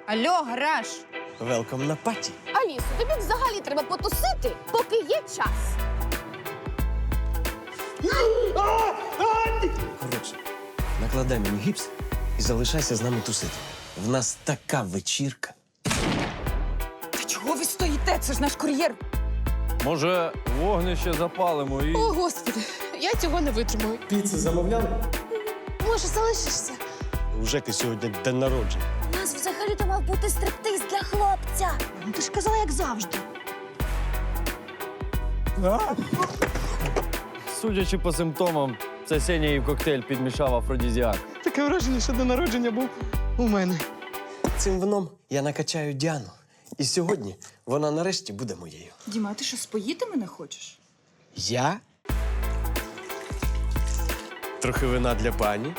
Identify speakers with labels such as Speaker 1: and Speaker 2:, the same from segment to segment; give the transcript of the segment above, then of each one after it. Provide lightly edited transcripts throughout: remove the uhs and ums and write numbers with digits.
Speaker 1: Алло, гараж!
Speaker 2: Велком на паті.
Speaker 3: Алісо, тобі взагалі треба потусити, поки є час.
Speaker 2: Коротше, накладай мені гіпс і залишайся з нами тусити. В нас така вечірка.
Speaker 1: Та чого ви стоїте? Це ж наш кур'єр.
Speaker 4: Може, вогнище запалимо і.
Speaker 3: О, Господи, я цього не витримую.
Speaker 2: Піцу замовляли?
Speaker 3: Може, залишишся?
Speaker 2: У Жеки сьогодні день народження.
Speaker 3: У нас взагалі-то мав бути стриптиз для хлопця. Ну, ти ж казала, як завжди.
Speaker 4: Судячи по симптомам, це Сеня їй в коктейль підмішав афродізіак.
Speaker 5: Таке враження, що день народження був у мене.
Speaker 2: Цим вином я накачаю Діану. І сьогодні вона нарешті буде моєю.
Speaker 1: Діма, а ти що, споїти мене хочеш?
Speaker 2: Я? Трохи вина для пані.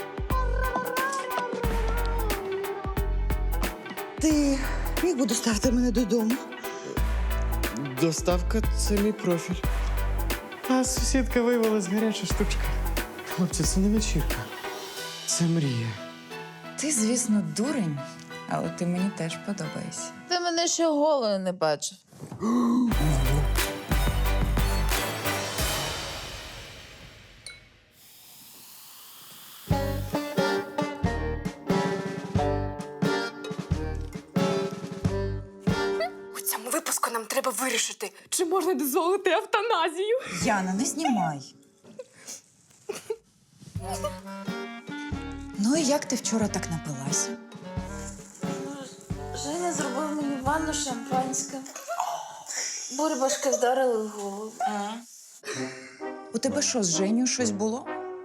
Speaker 6: Ти міг би доставити мене додому?
Speaker 5: Доставка – це мій профіль. А сусідка виявилась гаряча штучка. Хлопці, це не вечірка. Це мрія.
Speaker 1: Ти, звісно, дурень, але ти мені теж подобаєшся.
Speaker 7: Ти мене ще голою не бачив.
Speaker 8: У цьому випуску нам треба вирішити, чи можна дозволити евтаназію.
Speaker 1: Яна, не знімай. Ну і як ти вчора так напилася?
Speaker 7: Женя зробив мені ванну шампанське. Бурбашки вдарили в голову.
Speaker 1: У тебе що, з Женю щось було?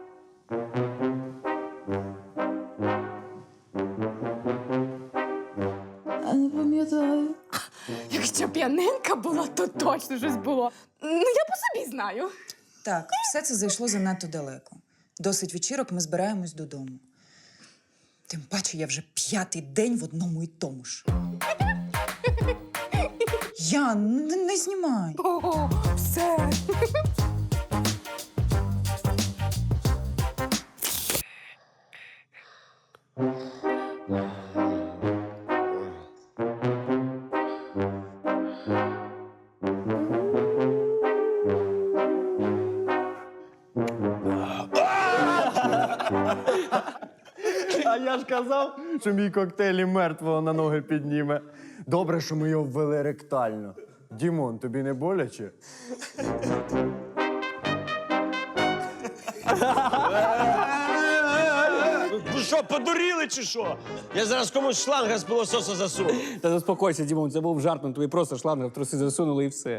Speaker 7: А не пам'ятаю.
Speaker 8: Якщо п'яненька була, то точно щось було. Ну, я по собі знаю.
Speaker 1: Так, все це зайшло занадто далеко. Досить вечірок, ми збираємось додому. Тим паче, я вже 5-й день в одному і тому ж. Ян, не знімай.
Speaker 8: О, все.
Speaker 4: А я ж казав, що мій коктейль і мертвого на ноги підніме. Добре, що ми його ввели ректально. Дімон, тобі не боляче?
Speaker 2: Ви що, подуріли чи що? Я зараз комусь шланга з пилососа засуну.
Speaker 5: Та заспокойся, Дімон, це був жарт, тобі просто шланг в труси засунули і все.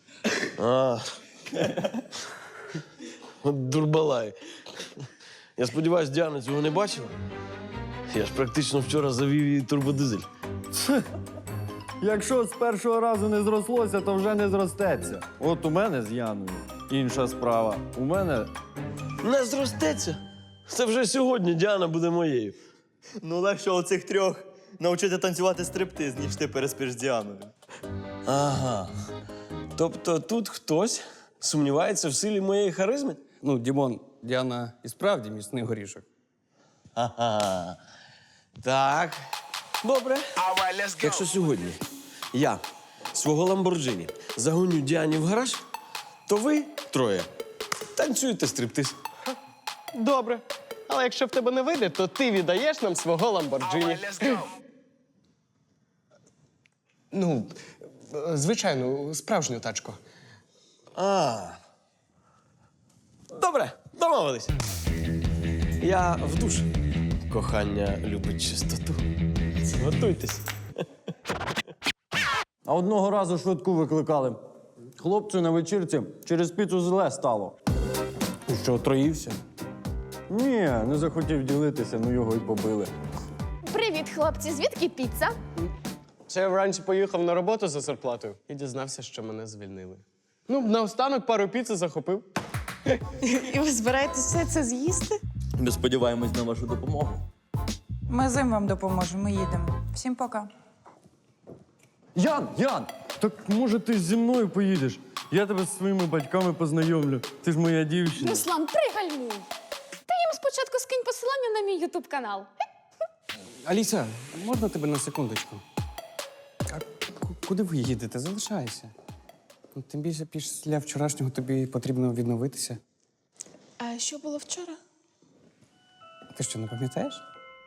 Speaker 2: От дурбалай. Я сподіваюся, Діана цього не бачила. Я ж практично вчора завів її турбодизель.
Speaker 4: Якщо з першого разу не зрослося, то вже не зростеться. От у мене з Яною інша справа. У мене
Speaker 2: Не зростеться. Це вже сьогодні Діана буде моєю.
Speaker 9: Ну, легше оцих трьох навчити танцювати стриптиз, ніж ти переспиш з Діаною.
Speaker 2: Ага. Тобто тут хтось сумнівається в силі моєї харизми?
Speaker 5: Ну, Дімон, Діана і справді міцний горішок.
Speaker 2: Ага. Так. Добре. Якщо сьогодні я свого Ламборджині загоню Діані в гараж, то ви троє танцюєте стриптиз.
Speaker 5: Добре. Але якщо в тебе не вийде, то ти віддаєш нам свого Ламборджині. Ну, звичайно, справжню тачку.
Speaker 2: Добре, домовились. Я в душ. Кохання любить чистоту. Готуйтесь.
Speaker 4: А одного разу швидку викликали. Хлопцю на вечірці через піцу зле стало.
Speaker 5: І що, отруївся?
Speaker 4: Ні, не захотів ділитися, ну його й побили.
Speaker 3: Привіт, хлопці. Звідки піца?
Speaker 5: Це я вранці поїхав на роботу за зарплатою і дізнався, що мене звільнили. Ну, наостанок пару піци захопив.
Speaker 6: І ви збираєтесь все це з'їсти?
Speaker 9: Ми сподіваємось на вашу допомогу.
Speaker 1: Ми зим вам допоможемо, ми їдемо. Всім пока.
Speaker 4: Ян, так може ти зі мною поїдеш? Я тебе з своїми батьками познайомлю. Ти ж моя дівчина.
Speaker 3: Руслан, пригальмуй. Ти їм спочатку скинь посилання на мій ютуб-канал.
Speaker 5: Аліса, можна тебе на секундочку? куди ви їдете? Залишайся. Ну, тим більше після вчорашнього тобі потрібно відновитися.
Speaker 8: А що було вчора?
Speaker 5: Ти що, не пам'ятаєш?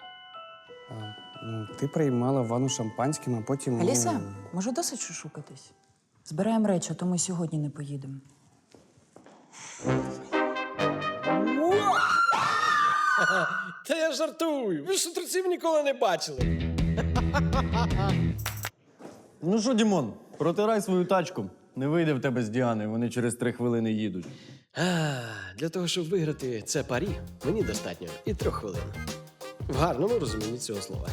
Speaker 5: Ти приймала ванну шампанським, а потім.
Speaker 1: Аліса, може досить шушукатись? Збираємо речі, а то ми сьогодні не поїдемо.
Speaker 2: Та я жартую. Ви ж шутерців ніколи не бачили.
Speaker 4: Ну що, Дімон, протирай свою тачку. Не вийде в тебе з Діани, вони через 3 хвилини їдуть.
Speaker 2: Для того, щоб виграти це парі, мені достатньо і 3 хвилин. В гарному розумінні цього слова.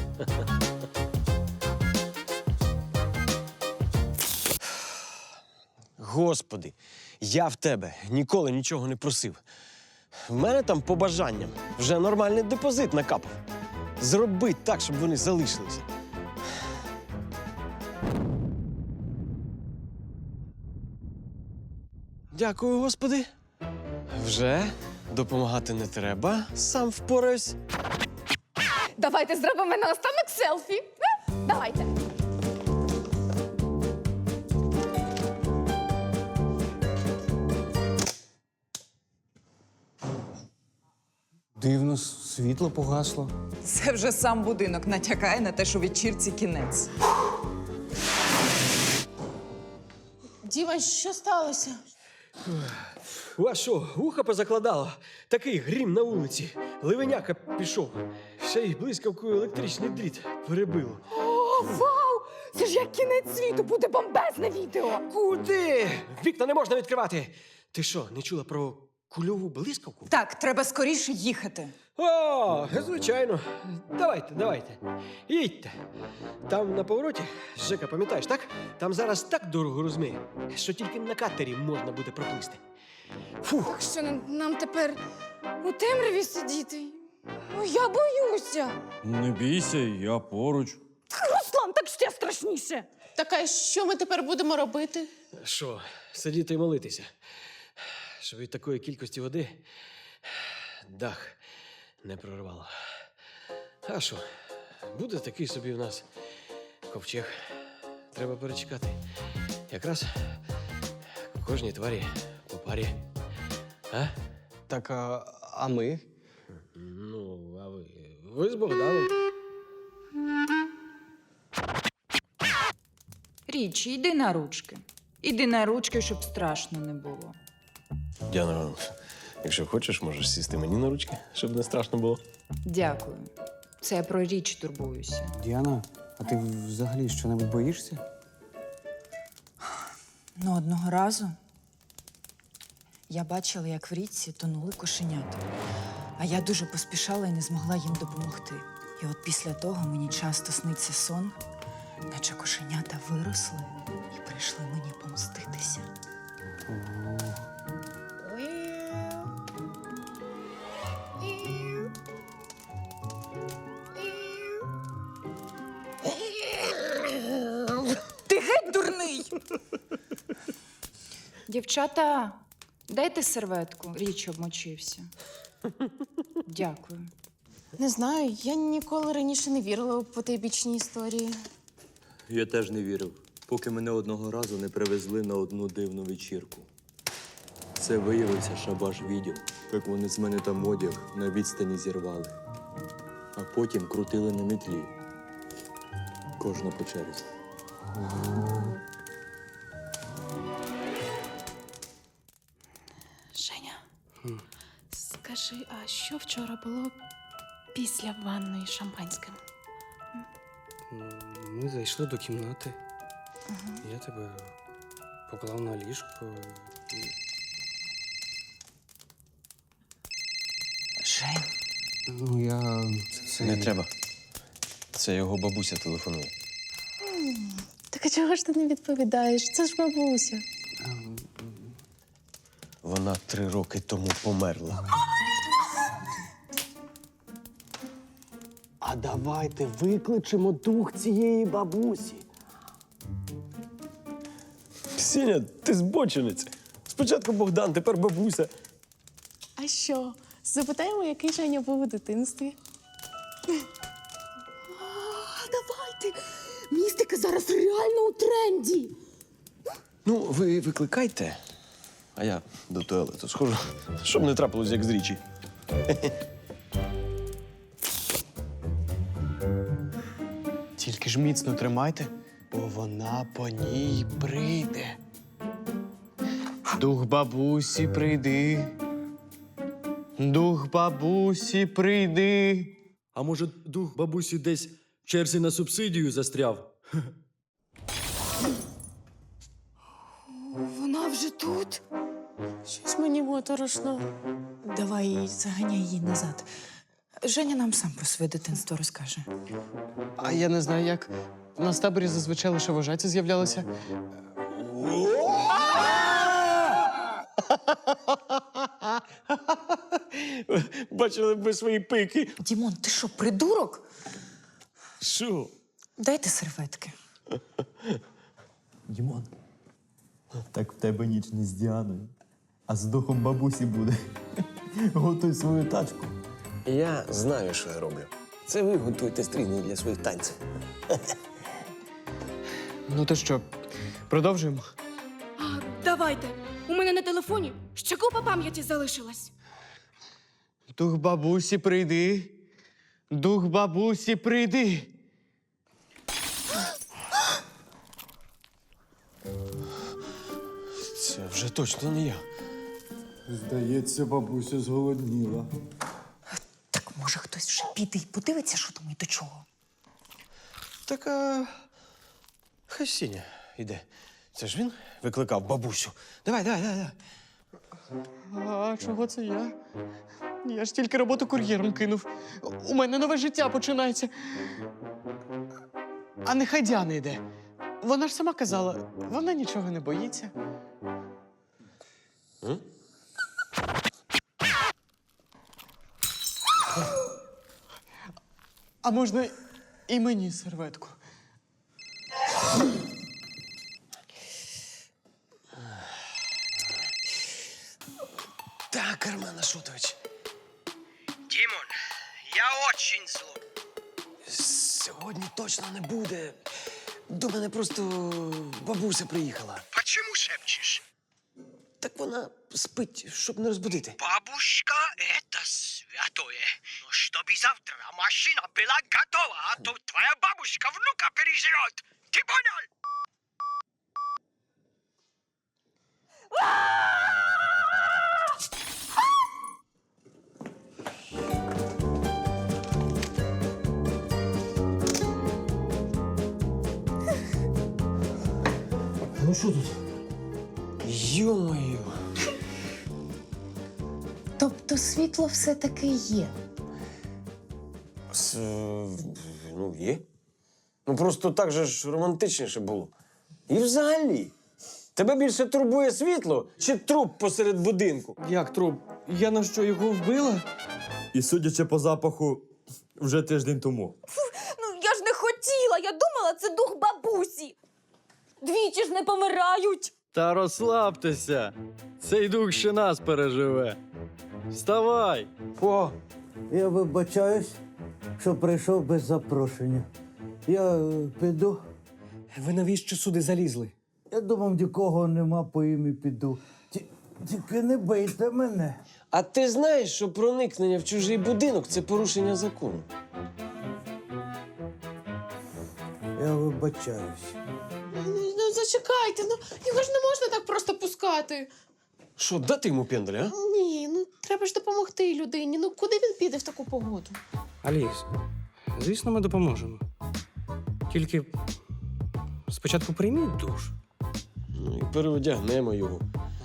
Speaker 2: Господи, я в тебе ніколи нічого не просив. В мене там по бажанням вже нормальний депозит накапав. Зроби так, щоб вони залишилися. Дякую, Господи. Вже допомагати не треба, сам впораюсь.
Speaker 8: Давайте зробимо наостанок селфі. Давайте.
Speaker 5: Дивно, світло погасло.
Speaker 1: Це вже сам будинок натякає на те, що вечірці кінець.
Speaker 6: Діма, що сталося?
Speaker 2: У вас що, вуха позакладало? Такий грім на вулиці. Ливеняка пішов. Ще й блискавкою електричний дріт перебило.
Speaker 8: О, вау! Це ж як кінець світу, буде бомбезне відео.
Speaker 2: Куди? Вікна не можна відкривати. Ти що, не чула про кульову блискавку?
Speaker 1: Так, треба скоріше їхати.
Speaker 2: О, звичайно. Давайте. Їдьте. Там на повороті, Жека, пам'ятаєш, так? Там зараз так дорого розмиє, що тільки на катері можна буде проплисти. Фух.
Speaker 8: Що нам тепер у темряві сидіти? Ну, я боюся.
Speaker 4: Не бійся, я поруч.
Speaker 8: Руслан, так ще страшніше.
Speaker 6: Так, а що ми тепер будемо робити?
Speaker 2: Що, сидіти і молитися? Щоб від такої кількості води дах не прорвало. А що, буде такий собі в нас ковчег. Треба перечекати. Якраз кожній тварі по парі. А?
Speaker 4: Так, а ми?
Speaker 2: Ну, а ви? Ви з Богданом.
Speaker 1: Річі, йди на ручки. Іди на ручки, щоб страшно не було.
Speaker 2: Діана, якщо хочеш, можеш сісти мені на ручки, щоб не страшно було.
Speaker 1: Дякую. Це я про річ турбуюся.
Speaker 5: Діана, а ти взагалі що-небудь боїшся?
Speaker 1: Ну, одного разу я бачила, як в річці тонули кошенята. А я дуже поспішала і не змогла їм допомогти. І от після того мені часто сниться сон, наче кошенята виросли і прийшли мені помститися. Ти геть дурний! Дівчата, дайте серветку. Річ обмочився. Дякую.
Speaker 6: Не знаю, я ніколи раніше не вірила у потайбічні історії.
Speaker 9: Я теж не вірив, поки мене одного разу не привезли на одну дивну вечірку. Це виявився шабаш відео, як вони з мене там одяг на відстані зірвали. А потім крутили на метлі. Кожна по черзі.
Speaker 6: Женя, скажи, а що вчора було після ванної з шампанським?
Speaker 5: Ми зайшли до кімнати. Я тебе поклав на ліжко.
Speaker 1: Жень.
Speaker 5: Ну, я. Це...
Speaker 2: Не треба. Це його бабуся телефонує.
Speaker 6: Так а чого ж ти не відповідаєш? Це ж бабуся.
Speaker 2: Вона 3 роки тому померла.
Speaker 4: А давайте викличемо дух цієї бабусі.
Speaker 2: Сеня, ти збочинець. Спочатку Богдан, тепер бабуся.
Speaker 6: А що? Запитаємо, який Женя був у дитинстві.
Speaker 8: Давайте. Містика зараз реально у тренді.
Speaker 2: Ну, ви викликайте, а я до туалету схожу, щоб не трапилось, як з річі.
Speaker 5: Тільки ж міцно тримайте, бо вона по ній прийде. Дух бабусі, прийди. Дух бабусі, прийди.
Speaker 9: А може, дух бабусі десь в черзі на субсидію застряв?
Speaker 8: Вона вже тут.
Speaker 6: Щось мені моторошно.
Speaker 1: Давай заганяй її назад. Женя нам сам про своє дитинство розкаже.
Speaker 5: А я не знаю, як. У нас в таборі зазвичай лише вожаті з'являлися.
Speaker 2: Бачили б ви свої пики.
Speaker 1: Дімон, ти що, придурок?
Speaker 2: Що?
Speaker 1: Дайте серветки.
Speaker 10: Дімон, так в тебе ніч не з Діаною, а з духом бабусі буде. Готуй свою тачку.
Speaker 2: Я знаю, що я роблю. Це ви готуєте стрільні для своїх танців.
Speaker 5: Ну то що, продовжуємо?
Speaker 8: Давайте. У мене на телефоні ще купа пам'яті залишилась.
Speaker 5: Дух бабусі, прийди. Дух бабусі, прийди.
Speaker 2: Це вже точно не я.
Speaker 4: Здається, бабуся зголодніла.
Speaker 1: Так може хтось вже піде і подивиться, що там і до чого.
Speaker 2: Так, хай Сіня йде. Це ж він викликав бабусю. Давай.
Speaker 5: А чого це я? Я ж тільки роботу кур'єром кинув. У мене нове життя починається. А нехай Діана йде. Вона ж сама казала, вона нічого не боїться. А можна і мені серветку?
Speaker 2: Так, Армен Ашотович.
Speaker 11: Дімон, я очень зло.
Speaker 2: Сьогодні точно не буде. До мене просто бабуся приїхала.
Speaker 11: Почему шепчешь?
Speaker 2: Так вона спить, щоб не розбудити.
Speaker 11: Бабушка — это святое. Но чтобы завтра машина была готова, а то твоя бабушка внука переживет. Ты понял?
Speaker 2: Ну що тут? Йо-моє.
Speaker 3: Тобто світло все-таки є.
Speaker 2: Ну, є. Ну, просто так же ж романтичніше було. І взагалі, тебе більше турбує світло чи труп посеред будинку?
Speaker 5: Як труп? Я на що, його вбила?
Speaker 10: І судячи по запаху, вже тиждень тому.
Speaker 8: Ну я ж не хотіла, я думала, це дух бабусі. Двічі ж не помирають.
Speaker 9: Та розслабтеся. Цей дух ще нас переживе. Вставай!
Speaker 12: О, я вибачаюсь, що прийшов без запрошення. Я піду.
Speaker 2: Ви навіщо сюди залізли?
Speaker 12: Я думав, нікого нема, по ім'ю піду. Тільки не бийте мене.
Speaker 2: А ти знаєш, що проникнення в чужий будинок – це порушення закону?
Speaker 12: Я вибачаюсь.
Speaker 6: Ну, зачекайте, ну його ж не можна так просто пускати.
Speaker 2: Що, дати йому пенделя, а?
Speaker 6: Ні, ну треба ж допомогти людині. Ну куди він піде в таку погоду?
Speaker 13: Аліс, звісно, ми допоможемо. Тільки спочатку прийміть душ.
Speaker 2: Ну і переодягнемо його.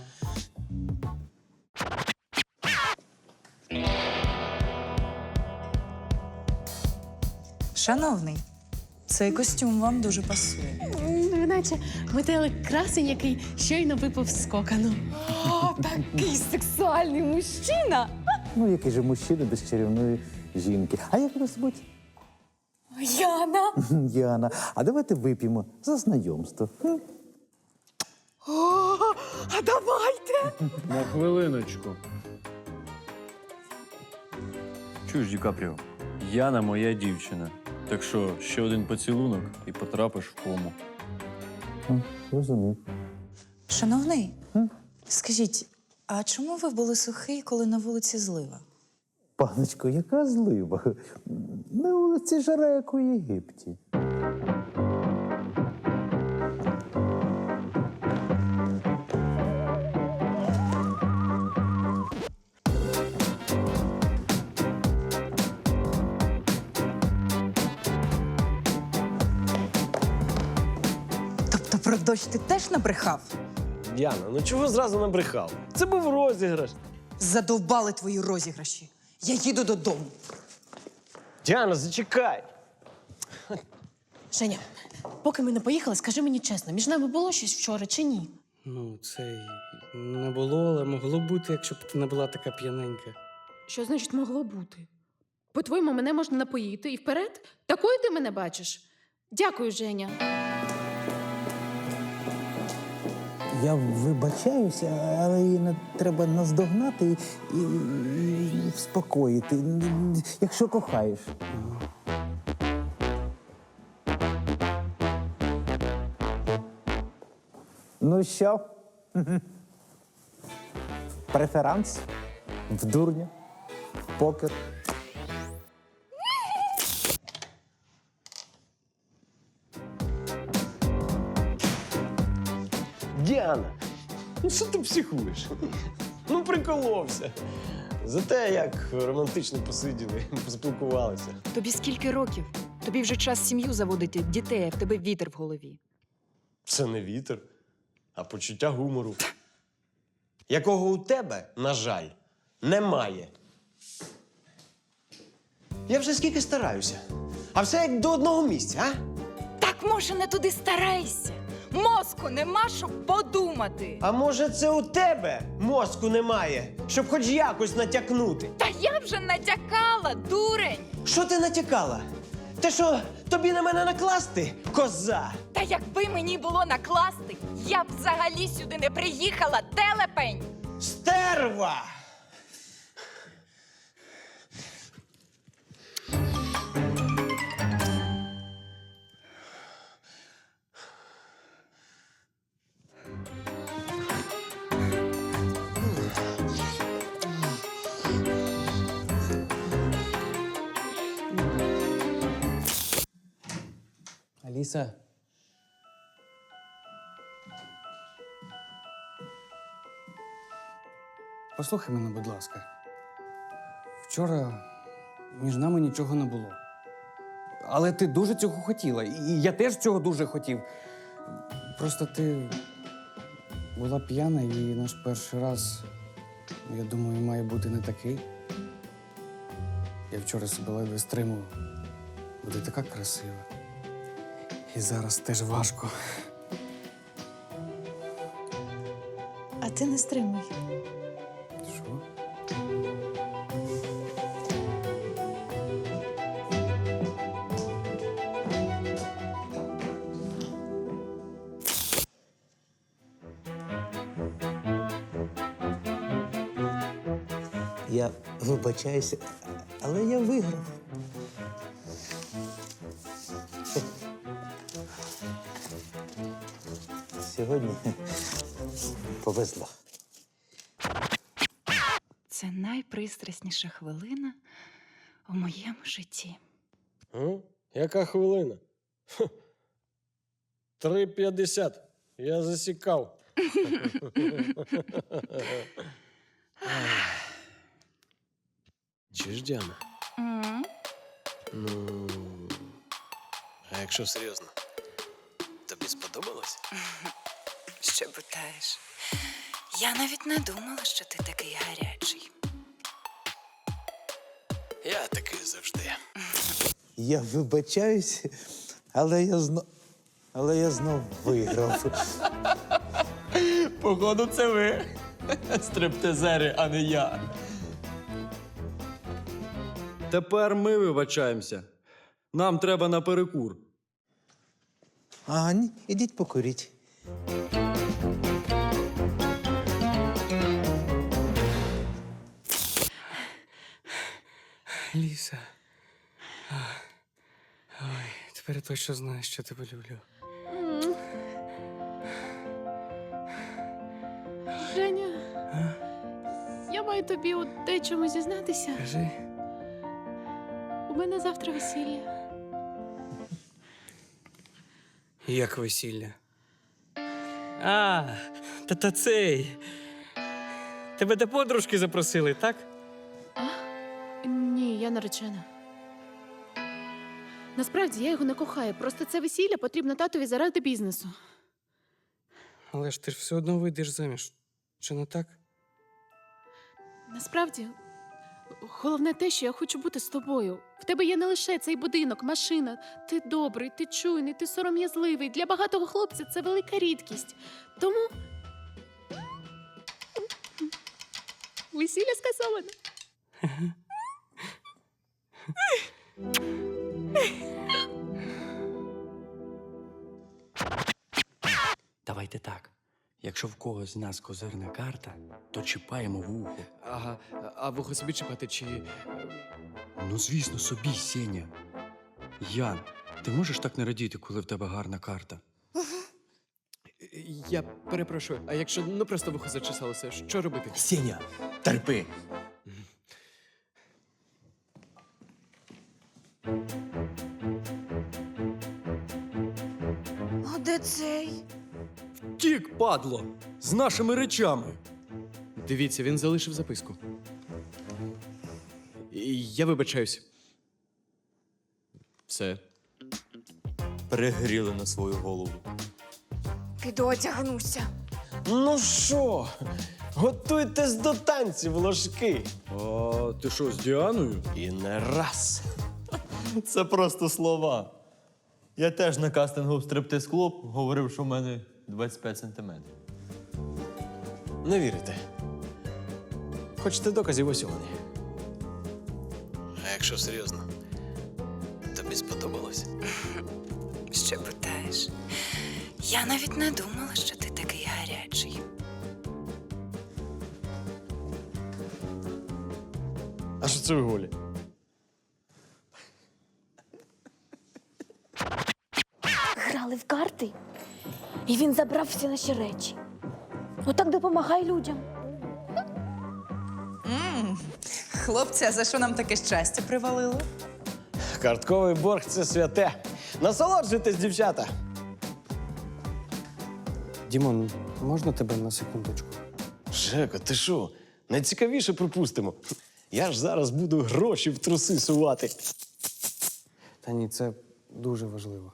Speaker 1: Шановний, цей костюм вам дуже пасує.
Speaker 6: Наче метелик красень, який щойно випав з кокану.
Speaker 8: О, такий сексуальний мужчина.
Speaker 12: Ну, який же мужчина без чарівної жінки. А як вас звуть?
Speaker 8: Яна.
Speaker 12: Яна. А давайте вип'ємо за знайомство.
Speaker 8: О, а давайте.
Speaker 10: На хвилиночку. Чуєш, Ді Капріо, Яна моя дівчина. Так що, ще один поцілунок і потрапиш в кому.
Speaker 12: Розумів.
Speaker 1: Шановний, скажіть, а чому ви були сухий, коли на вулиці злива?
Speaker 12: Паночко, яка злива? На вулиці жара, як у Єгипті.
Speaker 1: Тобто про дощ ти теж набрехав?
Speaker 2: Діана, ну чого зразу набрехав? Це був розіграш.
Speaker 1: Задовбали твої розіграші. Я їду додому.
Speaker 2: Діана, зачекай.
Speaker 6: Женя, поки ми не поїхали, скажи мені чесно, між нами було щось вчора чи ні?
Speaker 13: Ну, це й не було, але могло бути, якщо б ти не була така п'яненька.
Speaker 6: Що значить могло бути? По-твоєму, мене можна напоїти і вперед? Такою ти мене бачиш? Дякую, Женя.
Speaker 12: Я вибачаюся, але її треба наздогнати і вспокоїти, якщо кохаєш. Ну що? Преферанс? В дурня? В покер?
Speaker 2: Діана, ну що ти психуєш? Ну, приколовся. За те, як романтично посиділи, поспілкувалися.
Speaker 1: Тобі скільки років? Тобі вже час сім'ю заводити, дітей, а в тебе вітер в голові.
Speaker 2: Це не вітер, а почуття гумору. Якого у тебе, на жаль, немає. Я вже скільки стараюся. А все як до одного місця, а?
Speaker 1: Так, може, не туди старайся. Мозку нема, щоб подумати.
Speaker 2: А може, це у тебе мозку немає, щоб хоч якось натякнути?
Speaker 1: Та я вже натякала, дурень.
Speaker 2: Що ти натякала? Те, що тобі на мене накласти, коза?
Speaker 1: Та якби мені було накласти, я б взагалі сюди не приїхала, телепень.
Speaker 2: Стерва!
Speaker 13: Аліса. Послухай мене, будь ласка. Вчора між нами нічого не було. Але ти дуже цього хотіла. І я теж цього дуже хотів. Просто ти була п'яна, і наш перший раз, я думаю, має бути не такий. Я вчора себе ледве стримував. Буде така красива. І зараз теж важко.
Speaker 1: А ти не стримуй.
Speaker 13: Що?
Speaker 12: Я вибачаюся, але я виграв. Сьогодні повезло.
Speaker 1: Це найпристрасніша хвилина у моєму житті.
Speaker 2: Яка хвилина? 3:50. Я засікав. Чи ж, Діана? Ну, а якщо серйозно, тобі сподобалось?
Speaker 1: Що питаєш? Я навіть не думала, що ти такий гарячий.
Speaker 2: Я такий завжди.
Speaker 12: Я вибачаюсь, але я знов виграв.
Speaker 10: Походу, це ви. Стриптизери, а не я. Тепер ми вибачаємося. Нам треба на перекур.
Speaker 12: А, ні, ідіть покуріть.
Speaker 13: Ліса. Ой, тепер я точно знаю, що тебе люблю.
Speaker 6: Женя, я маю тобі у дечому зізнатися.
Speaker 13: Кажи.
Speaker 6: У мене завтра весілля.
Speaker 13: Як весілля? А, та цей. Тебе до подружки запросили, так?
Speaker 6: Ні, я наречена. Насправді я його не кохаю. Просто це весілля потрібно татові заради бізнесу.
Speaker 13: Але ж ти ж все одно вийдеш заміж. Чи не так?
Speaker 6: Насправді, головне те, що я хочу бути з тобою. В тебе є не лише цей будинок, машина. Ти добрий, ти чуйний, ти сором'язливий. Для багатого хлопця це велика рідкість. Тому весілля скасовано.
Speaker 14: Давайте так. Якщо в когось з нас козирна карта, то чіпаємо вухо.
Speaker 13: Ага, а вухо собі чіпати чи.
Speaker 14: Ну, звісно, собі, Сеня. Ян, ти можеш так не радіти, коли в тебе гарна карта?
Speaker 13: Я перепрошую, а якщо просто вухо зачесалося, що робити?
Speaker 14: Сеня, терпи.
Speaker 3: А де цей?
Speaker 14: Тік, падло! З нашими речами.
Speaker 13: Дивіться, він залишив записку. Я вибачаюсь. Все.
Speaker 9: Перегріли на свою голову.
Speaker 3: Піду одягнуся.
Speaker 2: Ну що, готуйтесь до танців, ложки.
Speaker 10: А ти що, з Діаною?
Speaker 2: І не раз.
Speaker 10: Це просто слова. Я теж на кастингу в стриптиз-клуб говорив, що в мене 25 сантиметрів.
Speaker 2: Не вірите. Хочете доказів, ось вони. А якщо серйозно, тобі сподобалось?
Speaker 1: Ще питаєш? Я навіть не думала, що ти такий гарячий.
Speaker 2: А що це ви голі?
Speaker 3: Грали в карти, і він забрав всі наші речі. Отак допомагай людям.
Speaker 1: Хлопці, а за що нам таке щастя привалило?
Speaker 2: Картковий борг це святе. Насолоджуйтесь, дівчата.
Speaker 13: Дімон, можна тебе на секундочку?
Speaker 2: Жека, ти що? Найцікавіше пропустимо. Я ж зараз буду гроші в труси сувати.
Speaker 13: Та ні, це дуже важливо.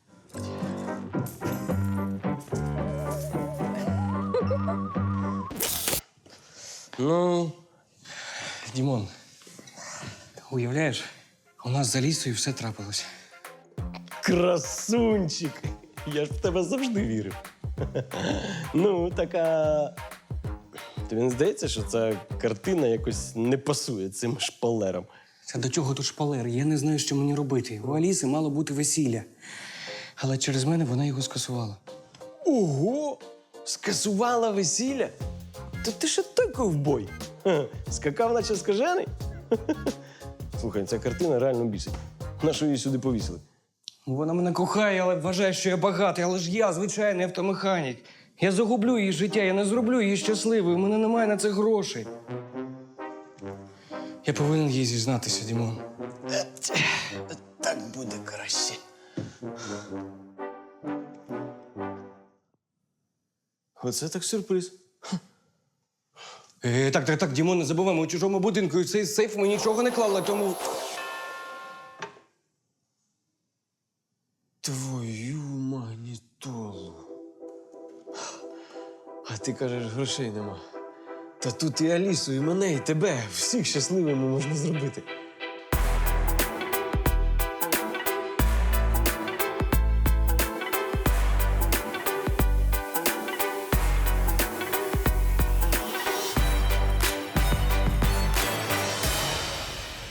Speaker 2: Ну,
Speaker 13: Дімон, уявляєш, у нас за лісою все трапилось.
Speaker 2: красунчик. Я ж в тебе завжди вірив. Ну, така. Тобі не здається, що ця картина якось не пасує цим шпалерам?
Speaker 13: Та до чого тут шпалер? Я не знаю, що мені робити. У Аліси мало бути весілля. Але через мене вона його скасувала.
Speaker 2: Ого! Скасувала весілля? То ти ще той ковбой. Ха, скакав, наче скажений. Слухай, ця картина реально бісить. Нащо її сюди повісили?
Speaker 13: Вона мене кохає, але вважає, що я багатий. Але ж я звичайний автомеханік. Я загублю її життя, я не зроблю її щасливою. У мене немає на це грошей. Я повинен їй зізнатися, Дімон.
Speaker 2: Так буде краще. Оце так сюрприз.
Speaker 13: Так, Дімон, не забуваємо, у чужому будинку і цей сейф ми нічого не клали, тому...
Speaker 2: Твою магнітолу. А ти кажеш, грошей нема. Та тут і Алісу, і мене, і тебе. Всіх щасливими можна зробити.